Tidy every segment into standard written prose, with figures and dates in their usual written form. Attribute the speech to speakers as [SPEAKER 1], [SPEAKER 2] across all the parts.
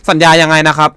[SPEAKER 1] สัญญายังไงนะครับ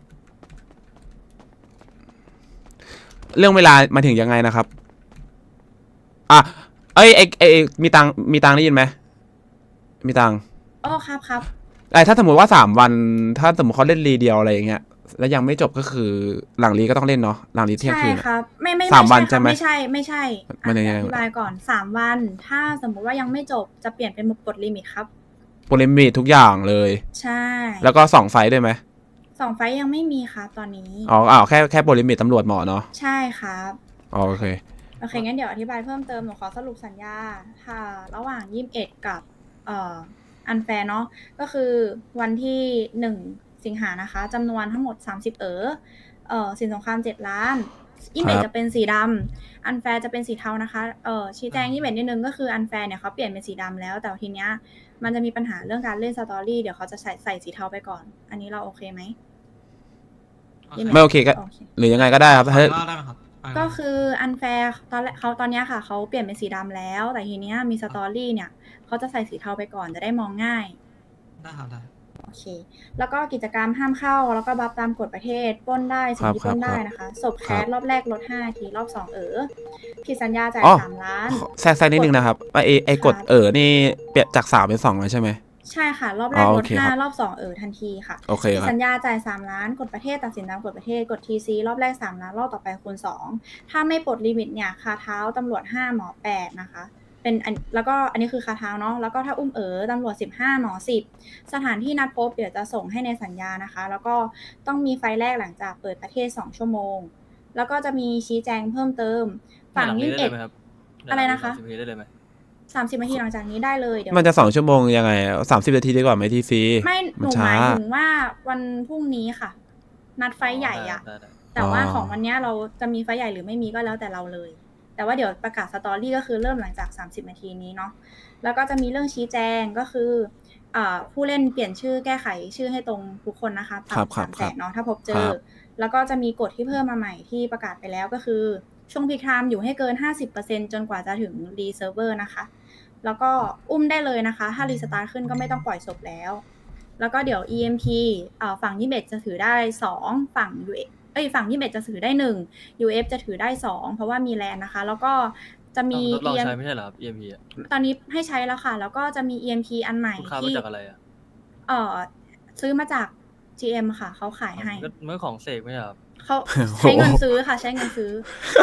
[SPEAKER 1] เรื่องเวลามาถึงยังไงนะครับอ่ะเอ้ยมีตังได้ยินไหมมีตัง
[SPEAKER 2] อ๋อครับ
[SPEAKER 1] ถ้าสมมติว่า3 วันถ้าสมมติเขาเล่นรีเดียวอะไรอย่างเงี้ยแล้วยังไม่จบก็คือหลังรีก็ต้องเล่นเนาะหลังรีเที่ยง
[SPEAKER 2] ใช่
[SPEAKER 1] คืน
[SPEAKER 2] ครับไม่
[SPEAKER 1] 3 วันใช่ไหม
[SPEAKER 2] ไม่ใช่
[SPEAKER 1] มันยังไง
[SPEAKER 2] อธิบายก่อน3 วันถ้าสมมุติว่ายังไม่จบจะเปลี่ยนเป็นกฎลิมิตครับ
[SPEAKER 1] โปรเลมิทุกอย่างเลย
[SPEAKER 2] ใช่
[SPEAKER 1] แล้วก็2 ไฟด้วยไหม
[SPEAKER 2] 2 ไฟยังไม่มีครับตอนนี้
[SPEAKER 1] อ๋อแค่โปรเลมิตตำรวจหมอเนาะ
[SPEAKER 2] ใช่ครับ
[SPEAKER 1] โอเค
[SPEAKER 2] งั้นเดี๋ยวอธิบายเพิ่มเติมหนูขอสรุปสัญญาค่ะระหว่าง21กับอันแฟร์เนาะก็คือวันที่1 สิงหานะคะจำนวนทั้งหมด30สินสงคราม7 ล้าน21จะเป็นสีดำอันแฟร์จะเป็นสีเทานะคะชี้แจง21นิดนึงก็คืออันแฟร์เนี่ยเขาเปลี่ยนเป็นสีดำแล้วแต่ทีเนี้ยมันจะมีปัญหาเรื่องการเล่นสตอรี่เดี๋ยวเขาจะใส่สีเทาไปก่อนอันนี้เราโอเคไหม
[SPEAKER 1] ไม่โอเคก็หรือยังไงก็ได้ครับ
[SPEAKER 2] ก็คืออันแฟร์ตอนนี้ค่ะเขาเปลี่ยนเป็นสีดำแล้วแต่ทีเนี้ยมีสตอรี่เนี่ยเขาจะใส่สีเทาไปก่อนจะได้มองง่าย
[SPEAKER 3] ได้ครับได้
[SPEAKER 2] โอเคแล้วก็กิจกรรมห้ามเข้าแล้วก็บัฟตามกฎประเทศปล้นได้สิ่งที่ปล้นได้นะคะศพแคสรอบแรกลด5 นาทีรอบ2ผิดสัญญาจ่าย3 ล้าน
[SPEAKER 1] แทรกนิดนึงนะครับไอกฎนี่เปลี่ยนจาก3 เป็น 2เลยใช่ไหม
[SPEAKER 2] ใช่ค่ะรอบแรกลด5รอบ2ทันทีค่ะ
[SPEAKER 1] โอเคครับ
[SPEAKER 2] สัญญาจ่าย3 ล้านกฎประเทศตัดสินตามกฎประเทศกฎ TC รอบแรก3 ล้านรอบต่อไปคูณ2ถ้าไม่ปลดลิมิตเนี่ยคาเท้าตำรวจ5หมอ8นะคะเป็นแล้วก็อันนี้คือคาเท้าเนาะแล้วก็ถ้าอุ้มตำรวจ15หมอ10สถานที่นัดพบเดี๋ยวจะส่งให้ในสัญญานะคะแล้วก็ต้องมีไฟแรกหลังจากเปิดประเทศ2 ชั่วโมงแล้วก็จะมีชี้แจงเพิ่มเติมฝั่ง21อะไรนะคะ
[SPEAKER 3] ได้เลยไหม
[SPEAKER 2] 30 นาทีหลังจากนี้ได้เลยเดี๋ยว
[SPEAKER 1] มันจะ2 ชั่วโมงยังไง30 นาทีดีกว่าไหมทีซี
[SPEAKER 2] ไม่หนูหมายถึงว่าวันพรุ่งนี้ค่ะนัดไฟใหญ่อะแต่ว่าของวันนี้เราจะมีไฟใหญ่หรือไม่มีก็แล้วแต่เราเลยแต่ว่าเดี๋ยวประกาศสตอรี่ก็คือเริ่มหลังจาก30 นาทีนี้เนาะแล้วก็จะมีเรื่องชี้แจงก็คือผู้เล่นเปลี่ยนชื่อแก้ไขชื่อให้ตรงทุกคนนะคะปรับ300,000เนาะถ้าพบเจอแล้วก็จะมีกฎที่เพิ่มมาใหม่ที่ประกาศไปแล้วก็คือช่วงพีคไทม์อยู่ให้เกิน 50% จนกว่าจะถึงรีเซิร์ฟเวอร์นะคะแล้วก็อุ้มได้เลยนะคะถ้ารีสตาร์ทขึ้นก็ไม่ต้องปล่อยศพแล้วแล้วก็เดี๋ยว EMP ฝั่ง21จะถือได้2ฝั่ง ฝั่ง21จะถือได้1 UF จะถือได้2เพราะว่ามีแลนนะคะแล้วก็จะมี
[SPEAKER 3] ทดลองใช้ไม่ใช่เหรอครับ EMP
[SPEAKER 2] ตอนนี้ให้ใช้แล้วค่ะแล้วก็จะมี EMP อันใหม่
[SPEAKER 3] ที่จากอะไร
[SPEAKER 2] ซื้อมาจาก GM ค่ะเขาขายให้
[SPEAKER 3] เมื่อของเสกไม่ใช่ครับ
[SPEAKER 2] เขาใช้เงินซื้อค่ะใช้เงินซื้อ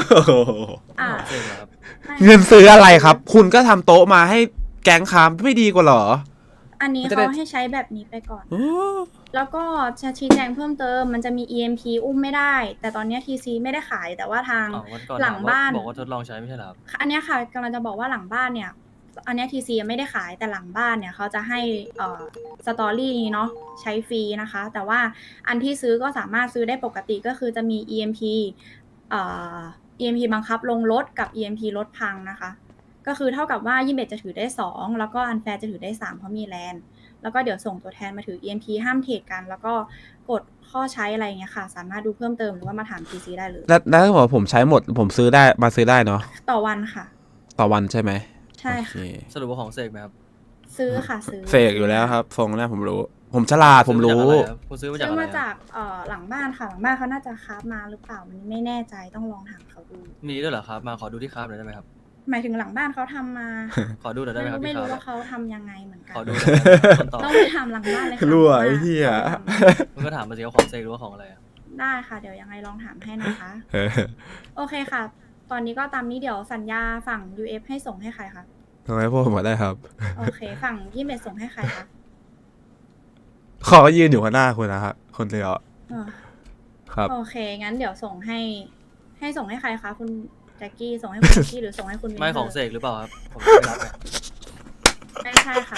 [SPEAKER 1] เงินซื้ออะไรครับคุณก็ทำโต๊ะมาให้แก๊งค้าไม่ดีกว่าหรอ
[SPEAKER 2] อันนี้เขาให้ใช้แบบนี้ไปก่อนแล้วก็จะชี้แจงเพิ่มเติมมันจะมี EMP อุ้มไม่ได้แต่ตอนนี้ TC ไม่ได้ขายแต่ว่าทางหลังบ้าน
[SPEAKER 3] บอกว่าทดลองใช้ไม่ใช่หรอ
[SPEAKER 2] อันนี้ค่ะกำลังจะบอกว่าหลังบ้านเนี่ยอันนี้ TC ไม่ได้ขายแต่หลังบ้านเนี่ยเขาจะให้สตอรี่นี้เนาะใช้ฟรีนะคะแต่ว่าอันที่ซื้อก็สามารถซื้อได้ปกติก็คือจะมี EMP EMP บังคับลงรถกับ EMP รถพังนะคะก็คือเท่ากับว่า21จะถือได้2แล้วก็อันแฟร์จะถือได้3เพราะมีแลนแล้วก็เดี๋ยวส่งตัวแทนมาถือ EMP ห้ามเทรดกันแล้วก็กดข้อใช้อะไรเงี้ยค่ะสามารถดูเพิ่มเติมหรือว่ามาถาม TC ได้เลย
[SPEAKER 1] แล้วถ้าบอกผมใช้หมดผมซื้อได้มาซื้อได้เนาะ
[SPEAKER 2] ต่อวันค่ะ
[SPEAKER 1] ต่อวันใช่ไหม
[SPEAKER 2] ใช่ค่ะ
[SPEAKER 3] สรุปว่าของเสกไหมครับ
[SPEAKER 2] ซื้อค่ะซื้อ
[SPEAKER 1] เสกอยู่แล้วครับฟงแรกผมรู้ผมฉลาดผมรู้
[SPEAKER 3] ซื้อมา
[SPEAKER 2] จากหลังบ้านค่ะหลังบ้านเขาน่าจะคราฟมาหรือเปล่ามันไม่แน่ใจต้องลองถามเขาดู
[SPEAKER 3] มีด้วยเหรอครับมาขอดูที่คราฟหน่อยได้ไหมครับ
[SPEAKER 2] หมายถึงหลังบ้านเขาทำมา
[SPEAKER 3] ขอดูหน่อยได้ไหมครับ
[SPEAKER 2] ไม่รู้ว่าเขาทำยังไงเหมือนกัน
[SPEAKER 3] ขอดู
[SPEAKER 2] ต้องไปถามหลังบ้านเลยค่ะ
[SPEAKER 1] รั่วไอ้เหี้ย
[SPEAKER 3] มันก็ถามมาสิว่าของเซกหรือว่าของอะไร
[SPEAKER 2] ได้ค่ะเดี๋ยวยังไงลองถามให้นะคะโอเคค่ะตอนนี้ก็ตามนี้เดี๋ยวสัญญาฝั่ง UF ให้ส่งให้ใครคะ
[SPEAKER 1] ทำไมพวกผมมาได้ครับ
[SPEAKER 2] โอเคฝั่งยี่เมดส่งให้ใครคะ
[SPEAKER 1] เขาก็ยืนอยู่ข้างหน้าคุณนะครับคนเดียวครับ
[SPEAKER 2] โอเคงั้นเดี๋ยวส่งให้ส่งให้ใครคะคุณแจ็คกี้ส่งให้คุณแจ็คกี้หรือส่งให้คุณ
[SPEAKER 3] ไม่ของเสกหรือเปล่าครับผมไม่รับ
[SPEAKER 2] ไม่ใช่ค่ะ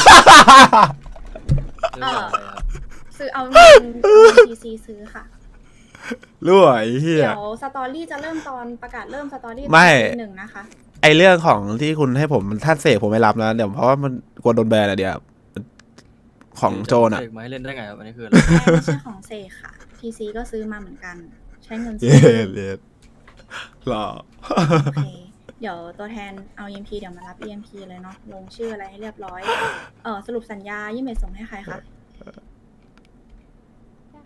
[SPEAKER 2] ซื้อเอาเงิน TC ซื้อค่ะ
[SPEAKER 1] รวยเฮีย
[SPEAKER 2] เดี๋ยวสตอรี่จะเริ่มตอนประกาศเริ่มสตอรี่
[SPEAKER 1] ไม่
[SPEAKER 2] 1นะคะ
[SPEAKER 1] ไอเรื่องของที่คุณให้ผมท่านเสกผมไม่รับนะเดี๋ยวเพราะว่ามันกลัวโดนแบนอะเดี๋ยวของโจนอะ
[SPEAKER 3] เสกมาให้เล่นได้ไงครับอันนี้คืออะไร
[SPEAKER 2] ไม่ใช่ของเสกค่ะ TC ก็ซื้อมาเหมือนกันใช้เงินซื้อ
[SPEAKER 1] หรอ
[SPEAKER 2] โอเคเดี๋ยวตัวแทนเอา EMP เดี๋ยวมารับ EMP เลยเนาะลงชื่ออะไรให้เรียบร้อยสรุปสัญญายี่เมดส่งให้ใครคะ
[SPEAKER 4] ได้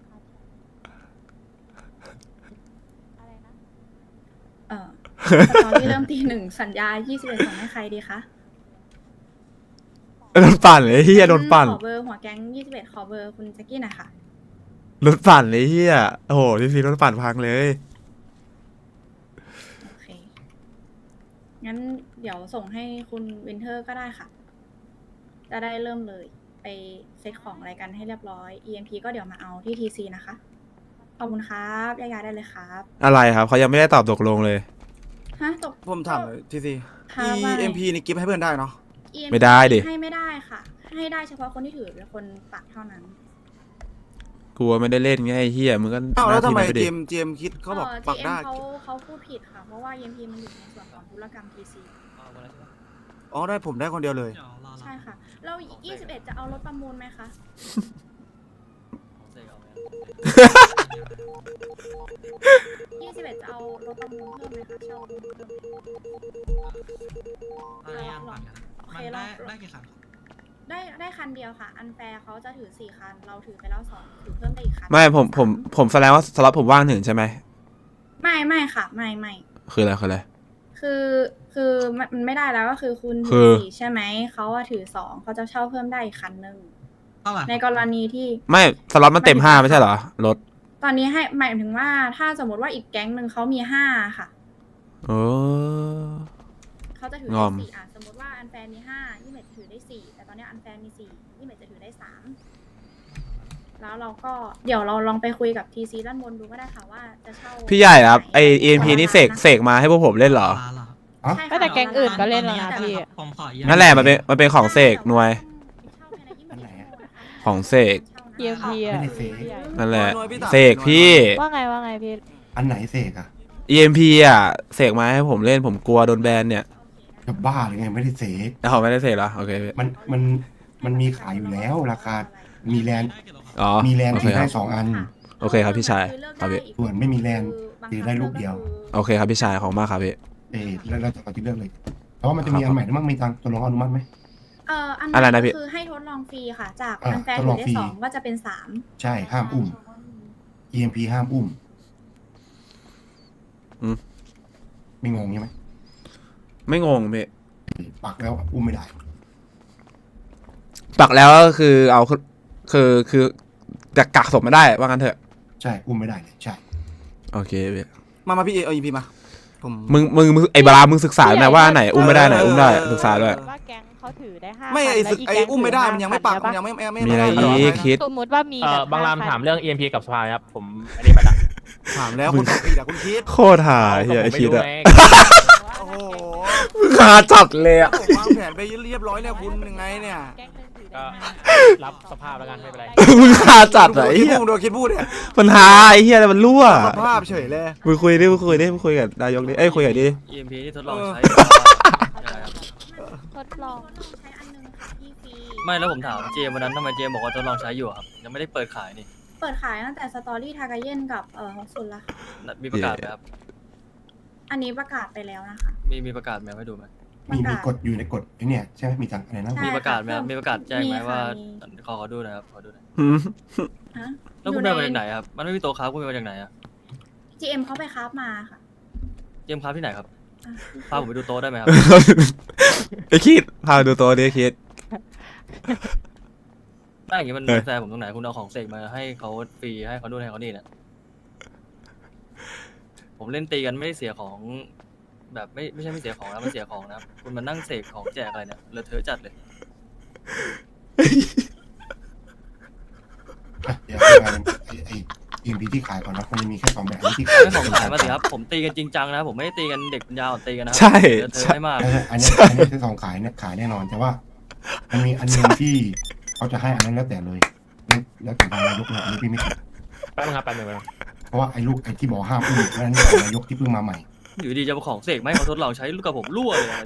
[SPEAKER 2] สตอรี่เริ่มตี 1สัญญา21ส่งให้ใครดีคะ
[SPEAKER 1] โดนปั่นเลยเฮียโดนปั่น
[SPEAKER 2] ขอเบอร์หัวแก๊ง21ขอเบอร์คุณแจ็คกี้หน่อยค่ะ
[SPEAKER 1] โดนปั่นเลยเฮียโอ้โหทีซีโดนปั่นพังเลย
[SPEAKER 2] โอเค งั้นเดี๋ยวส่งให้คุณวินเทอร์ก็ได้ค่ะ จะได้เริ่มเลย ไปเซตของอะไรกันให้เรียบร้อย EMP ก็เดี๋ยวมาเอาที่ TC นะคะ ขอบคุณครับย้ายๆได้เลยครับ
[SPEAKER 1] อะไรครับเขายังไม่ได้ตอบตกลงเลย
[SPEAKER 2] ฮะตก
[SPEAKER 4] ผมถามหน่อยทีซี
[SPEAKER 2] ค่ะว่าไง
[SPEAKER 4] EMP นี่กิฟต์ให้เพื่อนได้เนาะ
[SPEAKER 2] EMP
[SPEAKER 1] ไม่ได้ดิ
[SPEAKER 2] ให้ไม่ได้ค่ะ ให้ได้เฉพาะคนที่ถือเป็นคนปักเท่านั้น
[SPEAKER 1] กลัวไม่ได้เล่นไงไอ้เฮียมึงก็
[SPEAKER 4] อ้าวแล้วทำไม
[SPEAKER 1] หน้าที่นั้นปดิ
[SPEAKER 4] เจมคิดเขาบอกปัก
[SPEAKER 2] GM
[SPEAKER 4] ได้
[SPEAKER 2] เขาพูดผิดค่ะ เพราะว่า EMP มันอยู่ในส่วนของธุรกรรม TC
[SPEAKER 3] เอามาแล้วใช่ปะ
[SPEAKER 4] อ๋อได้ผมได้คนเดียวเลย
[SPEAKER 2] ใช่ค่ะ แล้ว21 จะเอารถประมูลไหมคะ
[SPEAKER 3] ของเสกเอาไหม
[SPEAKER 2] 21 จะเอารถประมูลเพิ่มไหมคะเช่ารถประมูลเพิ่มไหม
[SPEAKER 5] อะไรอ่ะปั่นกัน
[SPEAKER 2] โอ
[SPEAKER 5] มั
[SPEAKER 2] เคน ล
[SPEAKER 5] ได้
[SPEAKER 2] อง
[SPEAKER 5] ได้กี่คัน
[SPEAKER 2] ได้คันเดียวค่ะ อันแฟร์เขาจะถือ4คัน เราถือไปแล้ว2ถือเพิ่มไปอีกคัน
[SPEAKER 1] ไม่ผมแสดงว่าสล็อตผมว่างถึงใช่ไหม
[SPEAKER 2] ไม่ค่ะไม่
[SPEAKER 1] คืออะไรคืออะไร
[SPEAKER 2] คือมันไม่ได้แล้วก็คือคุณ
[SPEAKER 1] คื
[SPEAKER 2] ถือ
[SPEAKER 1] อ
[SPEAKER 2] 4ใช่ไหมเขาว่าถือ2เขาจะเช่าเพิ่มได้อีกคันหนึ่ง
[SPEAKER 5] เท่าไหร่
[SPEAKER 2] ในกรณีที่
[SPEAKER 1] ไม่สล็อตมันเต็ม5ไม่ใช่เหรอรถ
[SPEAKER 2] ตอนนี้ให้หมายถึงว่าถ้าสมมติว่าอีกแก๊งหนึ่งเขามี5ค่ะ
[SPEAKER 1] โอ้
[SPEAKER 2] เขาจะถือง
[SPEAKER 1] อ
[SPEAKER 2] ได้
[SPEAKER 1] ม
[SPEAKER 2] 4สมมติว่าอันแฟนมี5ยี่เมจจะถือได้4แต่ตอนนี้อันแฟนมี4ยี่เมจจะถือได้3แล้วเราก็เดี๋ยวเราลองไปคุยกับทีซีด้านบนดูก็ได้ค่ะว่าจะเช่า
[SPEAKER 1] พี่ใหญ่ครับไอ EMP
[SPEAKER 2] ไห
[SPEAKER 1] นี่เสกมาให้พวกผมเล่นเหรอ
[SPEAKER 5] ลาเหรอ
[SPEAKER 2] ใช่
[SPEAKER 6] ไม่
[SPEAKER 2] ค่ะ
[SPEAKER 6] แต่แก๊งอื่นก็เล่นแล้วนะพี่
[SPEAKER 5] ผมขออีก
[SPEAKER 1] นั่นแหละมันเป็นของเสกหน่วย
[SPEAKER 2] อันไหนอะ
[SPEAKER 1] ของเสก
[SPEAKER 6] EMP อ่ะ
[SPEAKER 7] ไม่ได้เสก
[SPEAKER 6] พี่ใหญ่
[SPEAKER 1] นั่นแหละ
[SPEAKER 4] หน่วยพี่ถาม
[SPEAKER 1] เสกพี่
[SPEAKER 6] ว่าไงพี่
[SPEAKER 7] อันไหนเสกอะ
[SPEAKER 1] EMP อ่ะเสกมาให้ผมเล่นผมกลัวโดนแบนเนี่ย
[SPEAKER 7] จะบ้าหรือไงไม่ได้เสก
[SPEAKER 1] แล้วเขาไม่ได้เสกเหรอโอเคพี่
[SPEAKER 7] มันมีขายอยู่แล้วราคา มีแลนด์
[SPEAKER 1] อ๋อ
[SPEAKER 7] มีแลนด์
[SPEAKER 1] โอเค
[SPEAKER 7] ถือ
[SPEAKER 1] ค
[SPEAKER 7] ได้
[SPEAKER 1] รับ
[SPEAKER 7] 2 อัน
[SPEAKER 1] โอเคครับพี่ชายครับพี่
[SPEAKER 7] ส่วนไม่มีแลนด์ถือได้ลูกเดียว
[SPEAKER 1] โอเคครับพี่ชายของมากครับพี่
[SPEAKER 7] แล้วจะเอาที่เลือกเลย เพราะว่ามันจะมีอันใหม่ด้วยมั้งมีตังตัวรองอนุมัติไหม
[SPEAKER 2] อัน
[SPEAKER 1] อะไร
[SPEAKER 2] นั้น
[SPEAKER 1] นะพี่
[SPEAKER 2] คือให้ทดลองฟรีค่ะ จาก
[SPEAKER 7] อ่ะ
[SPEAKER 2] อันแฟน
[SPEAKER 7] ทด
[SPEAKER 2] ถื
[SPEAKER 7] ล
[SPEAKER 2] อ
[SPEAKER 7] อง
[SPEAKER 2] ได้
[SPEAKER 7] ฟรี
[SPEAKER 2] 2ก็จะเป็น3
[SPEAKER 7] ใช่ห้ามอุ้ม EMP ห้ามอุ้ม
[SPEAKER 1] อืม
[SPEAKER 7] ไม่งงใช่ไหม
[SPEAKER 1] ไม่งงพี่
[SPEAKER 7] ปักแล้วอุ้มไม่ได้
[SPEAKER 1] ปักแล้วก็คือเอาคือจะกักศพไม่ได้ว่างั้นเถอะ
[SPEAKER 7] ใช่อุ้มไม่ได้เลยใช่
[SPEAKER 1] โอเคพี่
[SPEAKER 4] มาพี่เอา EMP มาผม
[SPEAKER 1] มึงไอ้บารามึงศึกษาไหมว่าไหนอุ้มไม่ได้ไหนอุ้มได้ศึกษาด้วย
[SPEAKER 6] ว่าแก๊งเขาถือได้5
[SPEAKER 4] ไม่ไอ้ศึกไอ้อุ้มไม่ได้มันยังไม่ปักมันยังไม่
[SPEAKER 1] มีอะไร
[SPEAKER 4] ด้
[SPEAKER 1] อีกคิด
[SPEAKER 6] สมมติว่ามีแบบ
[SPEAKER 8] บางราม
[SPEAKER 6] 5
[SPEAKER 8] ถามเรื่อง EMP กับสภาครับ ผมอันนี้ไปละ
[SPEAKER 4] ถามแล้วคนตอบผิดอะคุณคิด
[SPEAKER 1] โคตรหาเฮียไอ
[SPEAKER 8] ผมไม่
[SPEAKER 1] คิด
[SPEAKER 8] รู้
[SPEAKER 1] อะ
[SPEAKER 8] ไง
[SPEAKER 4] โอ้โห
[SPEAKER 1] คาจัดเลยอะ
[SPEAKER 4] ผมวางแผนไปเรียบร้อยเนี่ยคุณยังไงเนี่ย
[SPEAKER 6] แก๊งหนึงถือ
[SPEAKER 8] ก็
[SPEAKER 6] ได้
[SPEAKER 8] รับสภาพแล้วกันไม่เป็นไร
[SPEAKER 1] มึงคาจัดอะไอ้
[SPEAKER 4] คิด
[SPEAKER 1] เฮีย
[SPEAKER 4] พูดดูคิดพูดเนี่ย
[SPEAKER 1] มันหาไอ้เฮียอะไรมันรั่ว
[SPEAKER 4] สภาพเฉยเลย
[SPEAKER 1] มึงคุยกับนายกดิเอ้ยคุยกับดิ
[SPEAKER 3] EMP ที่ทดลองใช้ยังไงครับ
[SPEAKER 6] ทดลอง
[SPEAKER 2] ใช้อันนึงค่ะที่ฟรี
[SPEAKER 3] ไม่แล้วผมถามเจมส์วันนั้นทำไมเจมส์บอกว่าทดลองใช้อยู่อะครับยังไม่ได้เปิดขายนี่
[SPEAKER 2] เปิดขายตั้งแต่สตอรี่ทากาเย็นกับฮอกซุนละค่ะ
[SPEAKER 3] มีประกาศไหมครับ
[SPEAKER 2] อันนี้ประกาศไปแล้วนะคะ
[SPEAKER 3] มีประกาศไหมให้ดูไหม
[SPEAKER 7] มีกฎอยู่ในกฎไอ้เนี่ยใช่ไหมมีตังอะไรนะ
[SPEAKER 2] ใช่
[SPEAKER 3] มีประกาศไหมครับมีประกาศแจ้งไหม
[SPEAKER 2] มีค่ะ
[SPEAKER 3] ว่า
[SPEAKER 2] มี
[SPEAKER 3] ขอดูหนะครับขอดูหน่อย
[SPEAKER 1] หืม
[SPEAKER 2] ฮะ
[SPEAKER 3] แล้วคุณไปมาจากไหนครับมันไม่มีตัวค้าคุณไปมาจากไหนอะ
[SPEAKER 2] GM เขาไปคราฟมาค่ะ
[SPEAKER 3] เจมส์ค้าที่ไหนครับ
[SPEAKER 2] อ่ะ
[SPEAKER 3] พาผมไปดูโต๊ะได้ไหมครับ
[SPEAKER 1] ไอ้คิดพาดูตัวดิคิด
[SPEAKER 3] ถ้าอย่างงี้มัน
[SPEAKER 1] เออ
[SPEAKER 3] แฟร์ผมตรงไหนคุณเอาของเสกมาให้เขาฟรีให้เขานู่นให้เขานี่เนี่ยผมเล่นตีกันไม่ได้เสียของ แบบไม่ใช่ไม่เสียของแล้วมันเสียของนะครับคุณมานั่งเสกของแจกอะไรเนี่ยเลอะเทอะจัดเลย
[SPEAKER 7] เดี๋ยวไอ้ EMP ที่ขายก่อนนะมันจะมีแค่2แบบที่ขาย
[SPEAKER 3] ไม่ของขายมาสิครับผมตีกันจริงจังนะผมไม่ได้ตีกันเด็กปัญญาอ่อนตีกันนะ
[SPEAKER 1] ใช่
[SPEAKER 3] เลอะเทอะ
[SPEAKER 1] ใช่
[SPEAKER 3] ไม่มาก
[SPEAKER 7] อันนี้คือ2ขายเนี่ยขายแน่นอนแต่ว่า มันมีอันหนึงที่เขาจะให้อันนั้นแล้วแต่เลยแล้วแต่ทางนายกเลยอันนี้พี่ไม่ติด
[SPEAKER 8] แป๊บนึงครับแป๊บนึง
[SPEAKER 7] เพราะว่าไอ้ลูกไอ้ที่บอกห้ามอุ้มแล้วอันนี้ของนายกที่เพิ่งมาใหม่
[SPEAKER 3] อยู่ดีจะมาของเสกไหมาให้เขาทดลองใช้ลูกกับผมรั่วเลยนะ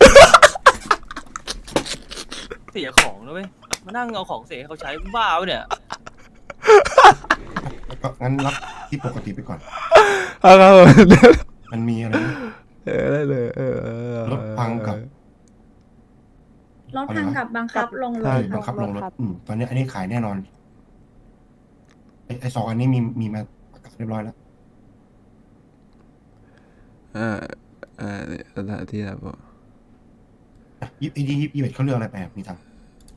[SPEAKER 3] เสียของนะเว้ยมานั่งเอาของเสกให้เขาใช้บ้าวะเนี่ย
[SPEAKER 7] แล้วก็งั้นรับที่ปกติไปก่อน
[SPEAKER 1] เอาครับผม
[SPEAKER 7] มันมีอะไรนะ
[SPEAKER 1] ได้เลย
[SPEAKER 7] รถพังกับ
[SPEAKER 2] รถพังกับบังคับลงร
[SPEAKER 1] ใช่
[SPEAKER 2] ถ
[SPEAKER 7] บังคั
[SPEAKER 2] ค่ะ
[SPEAKER 7] บลงรถตอนนี้อันนี้ขายแน่นอนไอ้2อันนี้มีมาประกาศเรียบร้อยแล้ว
[SPEAKER 1] อ่าสถานที่ครับผม
[SPEAKER 7] 21เขาเรื่องอะไรไปอะมีตังค์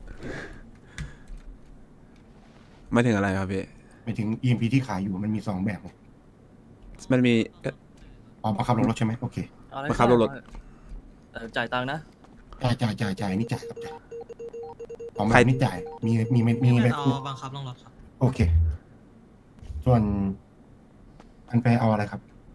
[SPEAKER 1] ไม่ถึงอะไรครับพี่
[SPEAKER 7] ไปถึง EMP ที่ขายอยู่มันมี2แบบไง
[SPEAKER 1] มันมี
[SPEAKER 7] อ๋อบังคับลงรถใช่ไหมโอเค
[SPEAKER 3] เอาอะไร
[SPEAKER 1] บังคับรถ
[SPEAKER 3] แต่จ่ายตังค์นะ
[SPEAKER 7] จ่ายนี่จ่ายครับจ่ายของ
[SPEAKER 1] ใคร
[SPEAKER 7] มันนี่จ่ายมีแบบ
[SPEAKER 5] เอาบังคับลงรถครับ
[SPEAKER 7] โอเค ส่วนอันไปเอาอะไรครับ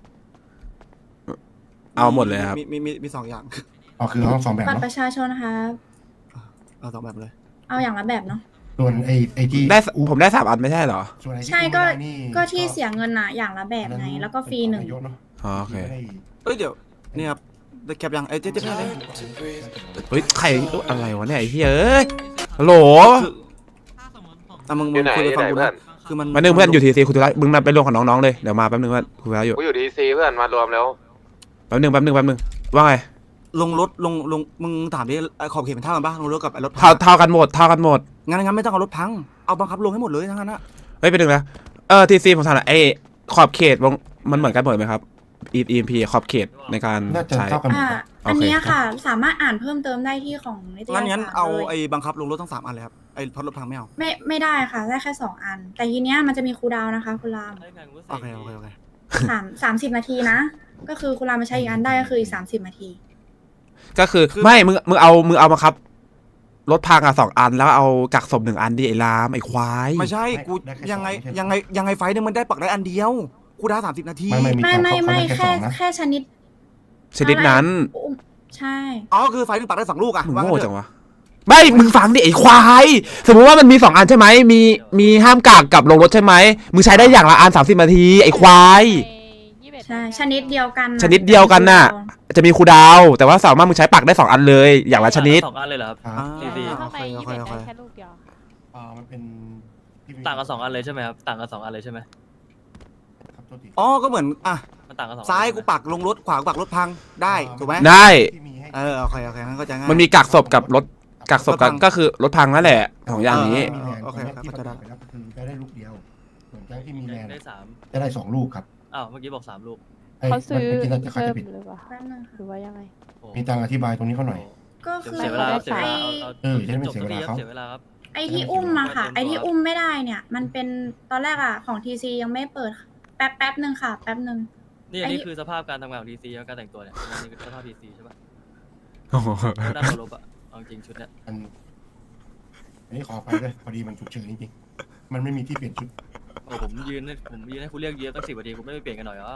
[SPEAKER 1] เอาหมดเลยครับ
[SPEAKER 4] มี2 อย่าง
[SPEAKER 7] เอาคือเอา2แบบ
[SPEAKER 2] บัตร
[SPEAKER 7] เนาะ
[SPEAKER 2] ประชาชนนะคะ
[SPEAKER 4] เอา2 แบบเลย
[SPEAKER 2] เอาอย่างละแบบเนาะ
[SPEAKER 7] ส่วนไอ้ที่
[SPEAKER 1] ได้ผมได้3 อันไม่ใช่เหรอ
[SPEAKER 7] ส่วนไอ้ที่
[SPEAKER 2] ใช่
[SPEAKER 7] กู้
[SPEAKER 2] ก็
[SPEAKER 7] ไม่ได้นี่
[SPEAKER 2] ก็ที่เสียเงินอะอย่างละแบบไง แล้วก็ฟรี 1
[SPEAKER 7] นายกเนอะ
[SPEAKER 1] อ๋อโอเค
[SPEAKER 4] เอ้ยเดี๋ยวนี่ครับได้แคปยังเจ๊ไม่ได้เลย
[SPEAKER 1] เฮ้ยใครอะไรวะเนี่ยไอ้เหี้ยเอ้ยฮัลโหล
[SPEAKER 5] ถ้าสมมติผม
[SPEAKER 4] อ่ะมึงคุยไปฟังกูนะคือมัน
[SPEAKER 1] มาหนึ่งเพื่อนอยู่ทีซีคุณธุระมึงมาไปรวมของน้องๆเลยเดี๋ยวมาแป๊บนึงเพื่อนคุยแล้วอยู่
[SPEAKER 9] กูอยู่ดีซีเพื่อนมารวมแล้ว
[SPEAKER 1] แป๊บนึงว่าไง
[SPEAKER 4] ลงรถลงมึงถามดิขอบเขตเป็นเท่ากันปะลงรถกับไอ้รถพัง
[SPEAKER 1] เท่ากันหมด
[SPEAKER 4] งั้นไม่ต้องเอารถพังเอาบังคับลงให้หมดเลยทั้งนั้นนะ
[SPEAKER 1] เฮ้ยไปดึงนะทีซีผมถามหน่อยไอ้ขอบเขตวงมันเหมือนกันหมดไหมครับ EMP ขอบเขตในการ
[SPEAKER 7] น่าจะ
[SPEAKER 1] ใช้
[SPEAKER 7] เท่ากันหมด
[SPEAKER 2] อ่า
[SPEAKER 7] ครับ
[SPEAKER 2] อันเนี้ย
[SPEAKER 1] โอเค
[SPEAKER 2] ค่ะ สามารถอ่านเพิ่มเติมได้ที่ของนิตยสาร
[SPEAKER 4] งั้นเอา
[SPEAKER 2] เลย
[SPEAKER 4] ไอ้บังคับลงรถทั้ง3 อันเลยครับไอ้พัดรถพังไม่เอา
[SPEAKER 2] ไม่ได้ค่ะ ได้แค่ 2 อัน แต่ทีเนี้ยมันจะมีคูลดาวน์นะคะคุณราม
[SPEAKER 3] ได้ไงกูเส
[SPEAKER 4] โอก เค
[SPEAKER 2] 30 นาทีนะ ก็คือคุณรามมาใช้อีกอันได้ก็คืออีก30 นาที
[SPEAKER 1] ก็คือไม่มึงเอามาครับรถพังอ่ะ2 อันแล้วเอากักศพ1 อันดิไอ้ลามไอ้ควาย
[SPEAKER 4] ไม่ใช่กูยังไงไฟนึงมันได้ปักได้อันเดียวกูได้30 นาที
[SPEAKER 7] ไม่มี
[SPEAKER 2] ไม่
[SPEAKER 7] เขาได้แค่
[SPEAKER 2] แค่ชนิด
[SPEAKER 1] ชนิดนั้น
[SPEAKER 2] อุ้มใช่
[SPEAKER 4] อ๋อคือไฟนึงปักได้2 ลูกอะ
[SPEAKER 1] มึง
[SPEAKER 4] ว่า
[SPEAKER 1] โง่
[SPEAKER 4] งั้นเถ
[SPEAKER 1] จั
[SPEAKER 4] อะ
[SPEAKER 1] งวะไม่มึงฟังดิไอ้ควายสมมุติว่ามันมี2 อันใช่ไหมมีห้ามกักกับลงรถใช่ไหมมึงใช้ได้อย่างละอัน30 นาทีไอ้ควาย
[SPEAKER 2] ใช่ชนิดเดียวกัน
[SPEAKER 1] ชนิดเดียวกันน่ะ จะมีคูลดาวน์แต่ว่าสามารถมึงใช้ปักได้2 อันเลยอย่างละชนิด
[SPEAKER 3] 2 อันเลยเหรอครับ
[SPEAKER 7] ครับ
[SPEAKER 4] อ่า
[SPEAKER 3] ดี
[SPEAKER 2] ทำไม
[SPEAKER 4] โอเค
[SPEAKER 6] 21ได้แค่ลูกเดียว
[SPEAKER 7] มันเป็นที่มี
[SPEAKER 3] ต่างกัน2 อันเลยใช่ไหมครับต่างกัน2 อันเลยใช่ไหม
[SPEAKER 7] ครับโทษที
[SPEAKER 4] อ๋อก็เหมือนอ่ะ
[SPEAKER 3] มันต่างกัน2 อัน
[SPEAKER 4] ซ้ายกูปักลงรถขวากูปักรถพังได้ถูกไหม
[SPEAKER 1] ได้
[SPEAKER 7] ที่มีให้
[SPEAKER 4] โอเคงั้นก็จะง่าย
[SPEAKER 1] มันมีกักศพกับรถกักศพกันก็คือรถพังนั่นแหละ2 อย่างนี้
[SPEAKER 7] มีแรง
[SPEAKER 4] โอเค
[SPEAKER 7] ตรงนี้
[SPEAKER 4] เข้าใจได้
[SPEAKER 7] ที่ประกาศไปแล้วก็คือจะได้ลูกเดียว ส่วนแก๊งที่มีแรง
[SPEAKER 3] ได้
[SPEAKER 7] จะได้2 ลูกครับ
[SPEAKER 3] 3อ้าวเมื่อกี้บอก3 ลูก
[SPEAKER 6] เขาซื้อ
[SPEAKER 7] มันเป็นที่เขา
[SPEAKER 6] เพิ่
[SPEAKER 7] จะ
[SPEAKER 6] ม
[SPEAKER 7] ปิด
[SPEAKER 6] หรือเปล่า
[SPEAKER 2] แป๊บนึงค่ะ
[SPEAKER 6] หรือว่ายังไง
[SPEAKER 3] โอ้
[SPEAKER 7] มีตังอธิบายตรงนี้เขาหน่อย
[SPEAKER 2] ก็คือ
[SPEAKER 3] เสียเวลาครับเสียเวลา
[SPEAKER 7] จะได้ไม่เสียเวลาเขา
[SPEAKER 3] เสียเวลาครับ
[SPEAKER 2] ไอที่อุ้มมาค่ะ ไอที่อุ้มไม่ได้เนี่ย มันเป็นตอนแรกอะของทีซียังไม่เปิดแป๊บนึงค่ะ แป๊บนึง
[SPEAKER 3] นี่อันนี้คือสภาพการทำงานของดีซีการแต่งตัวเนี่ยนี่คือสภาพดีซีใช่ปะด้านเคารพอะเอาจริงชุดเนี่ย
[SPEAKER 7] อันนี้ขอไปด้วยพอดีมันฉุกเฉินจริงๆมันไม่มีที่เปลี่ยนชุด
[SPEAKER 3] โอ้ผมยืนให้คุณเรียกเยอะตั้ง10 นาทีคุณไม่ไปเปลี่ยนกันหน่อยเหรอ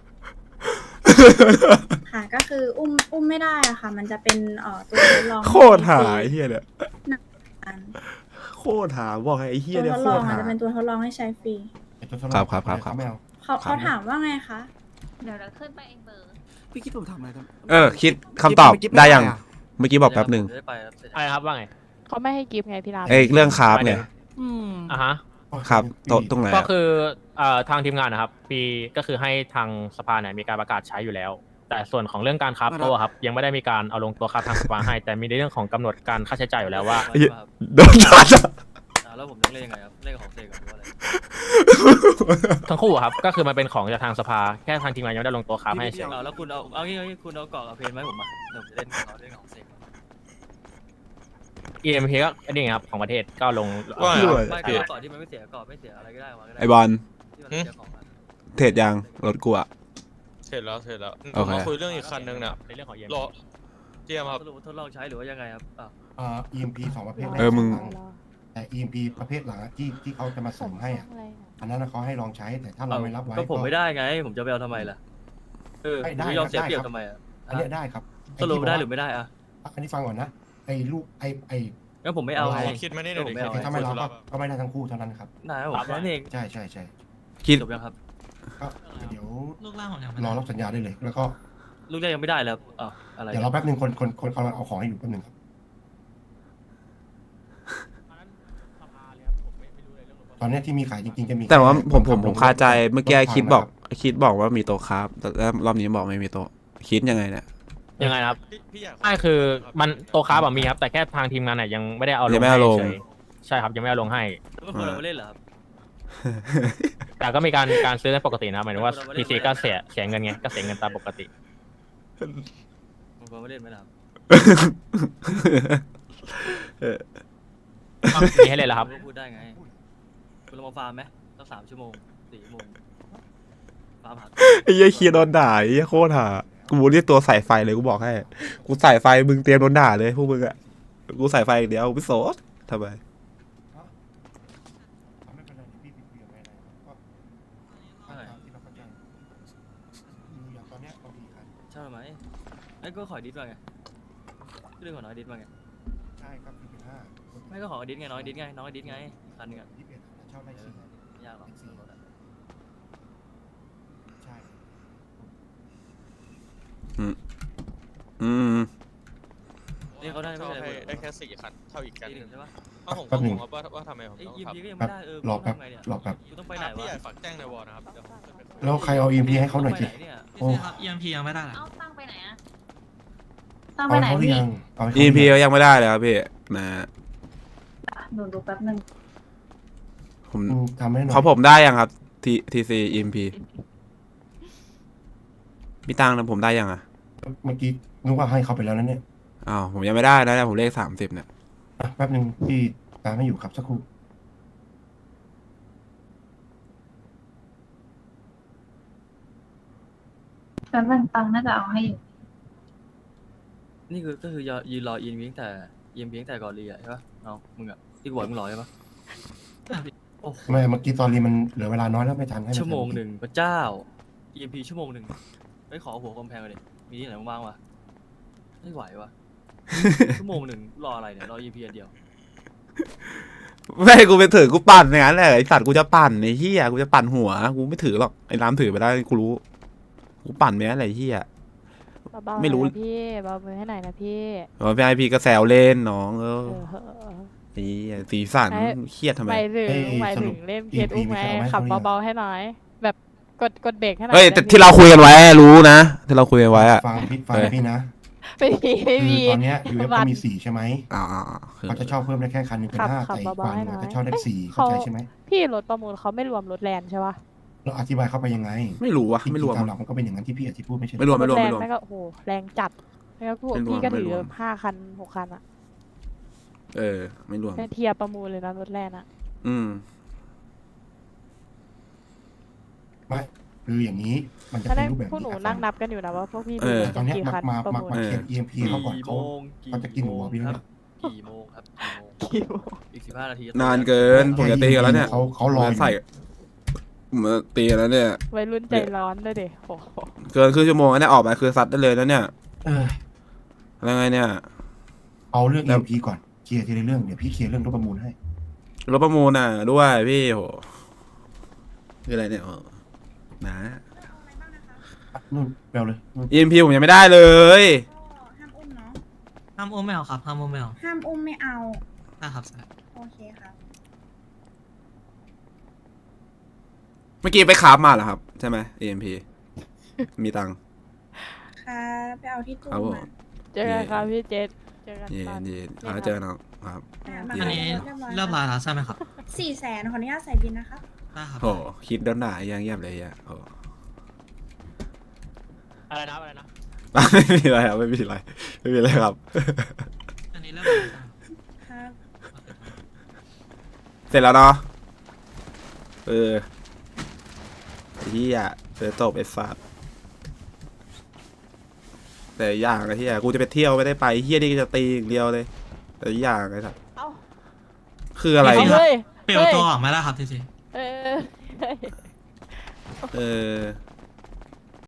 [SPEAKER 2] ค่ะ ก็คืออุ้มไม่ได้อะค่ะ มันจะเป็นตัวทดลอง
[SPEAKER 1] โคตรหาไอ้เหี้ยเนี่ย
[SPEAKER 2] อัน
[SPEAKER 1] โคตรหาบอกไอ้เหี้ย
[SPEAKER 2] ตัว
[SPEAKER 1] เนี่ย
[SPEAKER 2] ทด
[SPEAKER 1] โค
[SPEAKER 2] ลอ
[SPEAKER 1] ต
[SPEAKER 2] ง
[SPEAKER 1] ร
[SPEAKER 2] อา
[SPEAKER 1] หา
[SPEAKER 2] จจะเป็นตัวทดลองให้ใช้ฟรี
[SPEAKER 7] ไอ้ตัวทดลอง
[SPEAKER 1] ครับ
[SPEAKER 7] เขาไม่เอา
[SPEAKER 2] เขาถามว่าไงคะ
[SPEAKER 6] เดี๋ยวเราขึ้นไปเองเบอร์
[SPEAKER 4] พี่คิดผมทำอะไรกัน
[SPEAKER 1] คิดคำตอบได้ยังเมื่อกี้บอกแป๊บหนึ่ง
[SPEAKER 3] ได้ไปครับ
[SPEAKER 8] อะไรครับว่าไง
[SPEAKER 6] เขาไม่ให้กิฟต์ไงพี่ราม
[SPEAKER 1] เรื่องคราฟไง
[SPEAKER 8] อ่ะฮะ
[SPEAKER 1] ครับโต๊ะตรงไหน
[SPEAKER 8] ก็
[SPEAKER 1] อะ
[SPEAKER 8] คือทางทีมงานนะครับปีก็คือให้ทางสภาเนี่ยมีการประกาศใช้อยู่แล้ว แต่ส่วนของเรื่องการคราฟโต้ครับยังไม่ได้มีการเอาลงตัวคราฟทางสภาให้ แต่มีในเรื่องของกำหนดการค่าใช้จ่ายอยู่แล้วว่า
[SPEAKER 1] โดนตัดอะ
[SPEAKER 3] แล้วผมต้องเล่นยังไงครับเล่นกับของเซกันหรือว่าอะไร
[SPEAKER 8] ทั้งคู่อะครับก็คือมันเป็นของจากทางสภาแค่ทางทีมงานยังไม่ได้ลงตัวคราฟให้เฉย
[SPEAKER 3] แล้วคุณเอางี้คุณเอาเกาะกับเพนไหมผมอ่ะเดี๋ยวผมจะเล่นกับเขาเล่นของเซก
[SPEAKER 8] EMP ก็อันนี้ไงครับของประเทศก็ลง
[SPEAKER 3] ไม่ก็เกาะที่มันไม่เสียเกาะไม่เสียอะไรก็ได้มาก็ได้
[SPEAKER 1] ไอบอล
[SPEAKER 3] ที่มันไม่เสียของอะ
[SPEAKER 1] เทรดยังรถกูอะ
[SPEAKER 9] เสร็จแล้ว
[SPEAKER 1] โอเค
[SPEAKER 9] มาคุยเรื่องอีกคันนึงเนี่ย
[SPEAKER 8] ในเรื่องของ EMP
[SPEAKER 9] รอเจียมครับ
[SPEAKER 3] สรุปทดลองใช้หรือว่ายังไงครับ
[SPEAKER 7] EMP 2 ประเภท
[SPEAKER 1] มึง
[SPEAKER 7] แต่ EMP ประเภทหลังอะที่เขาจะมาเสริมให้อ่ะอันนั้นเขาให้ลองใช้แต่ถ้าเราไม่รับไว้
[SPEAKER 3] ก็ผมไม่ได้ไง ผมจะไปเอาทำไมล่ะผมไม่ยอมเสียเปรียบทำไมอ่ะ
[SPEAKER 7] อันเนี้ยได้ครับ
[SPEAKER 3] สรุปได้หรือไม่ได้อ่ะ
[SPEAKER 7] อันนี้ฟังก่อนนะไอ้ลูกไอ้
[SPEAKER 3] งั้นผมไม่เอาไง
[SPEAKER 9] คิดมานี่หน่อยดิ
[SPEAKER 3] ไม่เอา
[SPEAKER 7] ถ้าไม่รับก็ไม่ได้ทั้งคู่เท่านั้นครับ
[SPEAKER 3] นายผมนั่นเอง
[SPEAKER 7] ใช่
[SPEAKER 1] คิด
[SPEAKER 3] จบยังครับ
[SPEAKER 7] ก็เดี๋ยว
[SPEAKER 5] ลูกล่างผมยังไม่
[SPEAKER 7] รอ
[SPEAKER 5] ได้
[SPEAKER 7] รับสัญญาได้เลย แล้วก็
[SPEAKER 3] ลูกแรกยังไม่ได้แล้วอะไร
[SPEAKER 7] เดี๋ยวเราแป๊บนึงคนกำลังเอาของให้อยู่แป๊บนึงครับ ตอนเนี้ยที่มีขายจริงๆจะมี
[SPEAKER 1] แต่ว่าผมคาใจเมื่อกี้คิดบอกว่ามีโต๊ะครับแต่รอบนี้บอกไม่มีโต๊ะคิดยังไงเนี่ย
[SPEAKER 8] ยังไงนะครับ
[SPEAKER 9] พี่อยาก
[SPEAKER 8] ใช่คือมันโตคราฟอะมีครับแต่แค่ทางทีมงานเนี่ยยังไม่ได้เอาล
[SPEAKER 1] ยัง
[SPEAKER 8] ง
[SPEAKER 1] ไม่เอาลง
[SPEAKER 8] ให้เฉยใช่ครับยังไม่เอาลงให้
[SPEAKER 3] แล้วก็คนเราไม่เล่นเหรอครับ
[SPEAKER 8] แต่ก็มีการซื้อกันปกตินะหมายถึงว่า PC ก็เสียเงินไงก็เสียเงินตามปกติ
[SPEAKER 3] ผมไม่เล่นไหมล่ะครับ
[SPEAKER 8] มีให้เลยเหรอครับ
[SPEAKER 3] ณก็พูดได้ไงคุณลองมาฟาร์มไหมสัก3 ชั่วโมง4 ชั่วโมงฟาร์มหา
[SPEAKER 1] ไอ้เหี้ยเคียร์โดนด่าไอ้เหี้ยโคตรห่ากูเรียกตัวใส่ไฟเลยกูบอกให้กูใส่ไฟมึงเตรียมโดนด่าเลยพวกมึงอะกูใส่ไฟอย่างเดียวไม่โสดทำไม
[SPEAKER 7] ไม่เป็นไรพี่ปิดเบียร์ไว้นะก็ตามที่เราเข้าใจอย่างตอนเนี้ยเรามีคัน
[SPEAKER 3] ใช่ไหมไอ้ก็ขอดิสมาไงเรื่องของน้อยดิสมาไง
[SPEAKER 7] ใช่ครับพี่เป็นห้า
[SPEAKER 3] ไม่ก็ขอดิสไงน้อยดิสไงน้อยดิสไงอีกคันหนึงอ่ะ
[SPEAKER 7] 21เช่าได้4
[SPEAKER 3] ไม่ยากหรอกเรื่องรถอะ
[SPEAKER 7] ใช่
[SPEAKER 3] นี่เขาได้ไม่
[SPEAKER 9] เช่า
[SPEAKER 3] เป็นไร
[SPEAKER 9] ให้
[SPEAKER 3] เลย
[SPEAKER 9] ได้แค่4 คัน เท่าอีกกัน
[SPEAKER 3] ตี 1ใช่ปะ
[SPEAKER 9] ถ้าผมก็งงครับว่าทำไมผม
[SPEAKER 3] ไอ้
[SPEAKER 9] ต้อง
[SPEAKER 3] ยีม
[SPEAKER 9] ขับ
[SPEAKER 3] พีก็ยังไม่ได้
[SPEAKER 7] รอ
[SPEAKER 3] กู
[SPEAKER 7] แป๊บ
[SPEAKER 3] ทำไงเนี่ย
[SPEAKER 7] รอแป๊บ
[SPEAKER 3] กูต้องไปไหน
[SPEAKER 9] พี่
[SPEAKER 3] วะ
[SPEAKER 9] ใหญ่ฝากแจ้งในวอลนะครับเดี๋ยวผมจะไปคุย
[SPEAKER 7] แล้วใครเอา EMP ให้เขาหน่อยสิ
[SPEAKER 3] กูต้งไปไเนี่ย
[SPEAKER 7] โอ้
[SPEAKER 5] พี่ครับ EMP ยังไม่ได้เหรอ
[SPEAKER 6] เอาตั้งไปไหนอะ
[SPEAKER 7] เอาให้เขาหรือยังเอาให้เขาห
[SPEAKER 1] EP
[SPEAKER 7] รือยัง
[SPEAKER 1] ยังไม่ได้เลยครับพี่นะ
[SPEAKER 2] หนูดูแป๊บนึง
[SPEAKER 1] ผม
[SPEAKER 7] ทำให้หน่อย
[SPEAKER 1] เขาผมได้ยังครับ TC EMP มีตังค์นะผมได้ยังอ่ะ
[SPEAKER 7] เมื่อกี้นึกว่าให้เขาไปแล้วนั่นเนี่ย
[SPEAKER 1] อ้าวผมยังไม่ได้นะผมเลข30เนี่ย
[SPEAKER 7] อ่ะแป๊บนึงพี่ตามไม่อยู่ครับสักครู่
[SPEAKER 2] แป๊บนึงตังค์น่าจะเอาให้อยู่
[SPEAKER 3] นี่คือก็คือยืนรอยีนพีตั้งแต่ยีนพีตั้งแต่ก่อนรีอะใช่ปะน้องมึงอะที่กูบอกมึงรอใช่ปะโอ้โห
[SPEAKER 7] ไม่เมื่อกี้ตอนนี้มันเหลือเวลาน้อยแล้วไม่ทันให้น
[SPEAKER 3] ชั่วโมงหนึ่งพระเจ้า EMP ชั่วโมงหนึ่งไปขอหัวกำแพงเลยมีที่ไหนว่างๆวะไม่ไหววะ ชั่วโมงหนึ่งรออะไรเนี่ยรอ EMP อันเดียว
[SPEAKER 1] ไม่กูไปถือกูปั่นอย่างนั้นแหละไอสัตว์กูจะปั่นไอ้เหี้ยกูจะปั่นหัวกูไม่ถือหรอกไอ้น้ำถือไปได้กูรู้กูปั่นไปนั่นแหละไอ้เหี้ย
[SPEAKER 6] เบาๆ
[SPEAKER 1] ไม่รู้
[SPEAKER 6] หน่อยนะพี่เบามือให้หน่อยนะพี่
[SPEAKER 1] พี่ไอพีก็แซวเล่นน้อง
[SPEAKER 6] เออ
[SPEAKER 1] นี่สีสัน
[SPEAKER 6] ไอ้
[SPEAKER 1] เครียดทำไม
[SPEAKER 6] หมายถึงเล่นเคสอุ้มไงขับเบาๆให้หน่อย แบบกดเบรกให้หน่อย
[SPEAKER 1] เฮ้ย
[SPEAKER 6] ได้
[SPEAKER 1] แต่
[SPEAKER 6] ไหม
[SPEAKER 1] ที่เราคุยกันไว้รู้นะที่เราคุยกันไว้อะ
[SPEAKER 7] ฟังพี่นะ
[SPEAKER 6] ไม่มีไม่
[SPEAKER 7] คือ
[SPEAKER 6] มี
[SPEAKER 7] ตอนเนี้ย UF
[SPEAKER 6] วั
[SPEAKER 7] ก็
[SPEAKER 6] น
[SPEAKER 7] มี4ใช่ไหม
[SPEAKER 1] คือ
[SPEAKER 7] เขาจะเช่าเพิ่มได้แค่คันหนึงเป็น
[SPEAKER 6] ขับ
[SPEAKER 7] 5
[SPEAKER 6] ขับ
[SPEAKER 7] แต่อีก
[SPEAKER 6] เบาๆ
[SPEAKER 7] ฝั่งหนึง
[SPEAKER 6] ให้หน่อย
[SPEAKER 7] จะเช่าได้
[SPEAKER 6] เอ๊ะ
[SPEAKER 7] 4เข้าใจใช่ไหม
[SPEAKER 6] พี่รถประมูลเขาไม่รวมรถแลนด์ใช่ปะ
[SPEAKER 7] เราอธิบายเข้าไปยังไง
[SPEAKER 1] ไม่รู้วะ
[SPEAKER 7] จริงๆ
[SPEAKER 1] ไม่รวม
[SPEAKER 7] ตามหลักมันก็เป็นอย่างนั้นที่พี่อธิพูดไม่ใช่
[SPEAKER 1] ไม่รวม
[SPEAKER 6] รถแลน
[SPEAKER 1] ไม่ร
[SPEAKER 6] ด์
[SPEAKER 1] วม
[SPEAKER 6] ไม่ก็โอ้โหแรงจัดแล้วพวก
[SPEAKER 1] ไม่รวม
[SPEAKER 6] พี่ก็ถือ
[SPEAKER 1] ไม่รวม
[SPEAKER 6] 5 คัน 6 คันอะ
[SPEAKER 1] ไม่รวม
[SPEAKER 6] เป็นเทียร์ประมูลเลยนะรถแลนด์อะ
[SPEAKER 1] อืม
[SPEAKER 7] ไม่คืออย่างนี้มันจะ
[SPEAKER 6] ตอน
[SPEAKER 7] เป็
[SPEAKER 6] แร
[SPEAKER 7] น
[SPEAKER 6] ก
[SPEAKER 7] รูปแบบ
[SPEAKER 6] พวกหนู
[SPEAKER 7] อ่ะ
[SPEAKER 6] นั่งนับกันอยู่นะว่าพวกพี่
[SPEAKER 1] เออ
[SPEAKER 7] ตอนเนี้ย
[SPEAKER 6] กี่คัน
[SPEAKER 7] มา
[SPEAKER 6] ประมูล
[SPEAKER 7] เคลียร์ EMP เขาก่อนเขาเขาจะกินหัวพี่แล้วเนี่ย
[SPEAKER 3] กี่โมงครับ
[SPEAKER 6] กี่โมง
[SPEAKER 3] อีก15 นาที
[SPEAKER 1] นานเกินผมจะตีกันแล้วเนี่ย
[SPEAKER 7] เขารออยู่
[SPEAKER 1] ใส่ผมจะตีกันแล้วเนี่ย
[SPEAKER 6] วัยรุ่นใจร้อนด้วยเด็โอ้โห
[SPEAKER 1] เกินครึ่งชั่วโมงแล้วเนี่ยออกมาคือซัดได้เลยแล้วเนี่ย
[SPEAKER 7] เออ
[SPEAKER 1] อะไรไงเนี่ย
[SPEAKER 7] เอาเรื่อง EMP ก่อนเคลียร์ทีละเรื่องเดี๋ยวพี่เคลียร์เรื่องรถประมูลให้
[SPEAKER 1] รถประมูลน่ะด้วยพี่โหคืออะไรเนี่ยนะ
[SPEAKER 7] อ่ะนู่นแปลเลยนู่น
[SPEAKER 1] EMP ผมยังไม่ได้เลย
[SPEAKER 2] ก็ห้ามอุ้มเนาะ
[SPEAKER 5] ห้ามอุ้มไม่เอาครับ ห้ามอุ้มไม่เอา
[SPEAKER 2] ห้ามอุ้มไม่เอา
[SPEAKER 5] ได้ครับ
[SPEAKER 2] โอเคครับ
[SPEAKER 1] เมื่อกี้ไปคราฟมาเหรอครับ ใช่ไหม EMP มีตังค์
[SPEAKER 2] ค่ะไปเอาที่ตู้
[SPEAKER 1] ครับผม
[SPEAKER 2] มา
[SPEAKER 6] เจอกันครับพี่เจษเจอกัน
[SPEAKER 1] เย็
[SPEAKER 6] ตอน
[SPEAKER 1] นเย็น
[SPEAKER 6] นี่ครับ
[SPEAKER 1] เจอกันน้องครับ
[SPEAKER 2] มา
[SPEAKER 5] อันนี้
[SPEAKER 2] เรียบร้อย
[SPEAKER 5] เรียบร้อยแล้วใช่ไหมครับ
[SPEAKER 2] 400,000ขออนุญาตใส่บินนะคะ
[SPEAKER 5] ได้ครับ
[SPEAKER 1] โหคิดโดนด่ายังเงียบเลยอ่ะโห
[SPEAKER 8] อะไรนะอะไรนะ
[SPEAKER 1] ไม่มีอะไรครับไม่มีอะไรไม่มีอะไรครับ
[SPEAKER 5] อันนี้เรียบร้อยแล้ว
[SPEAKER 2] ครับ
[SPEAKER 1] เสร็จแล้วเนาะเฮียเจอจบไอ้สัตว์แต่อย่างไอ้เฮียกูจะไปเที่ยวไม่ได้ไปเฮียนี่ก็จะตีอย่างเดียวเลย แต่อย่างไอ้สัตว์
[SPEAKER 6] เอ้า
[SPEAKER 1] คืออะไร
[SPEAKER 6] เอา
[SPEAKER 1] เนี่ย
[SPEAKER 6] เฮ้ย
[SPEAKER 5] เปลี่ยนตัวออกไม่ได้ครับทีซี
[SPEAKER 6] เออ
[SPEAKER 1] เออ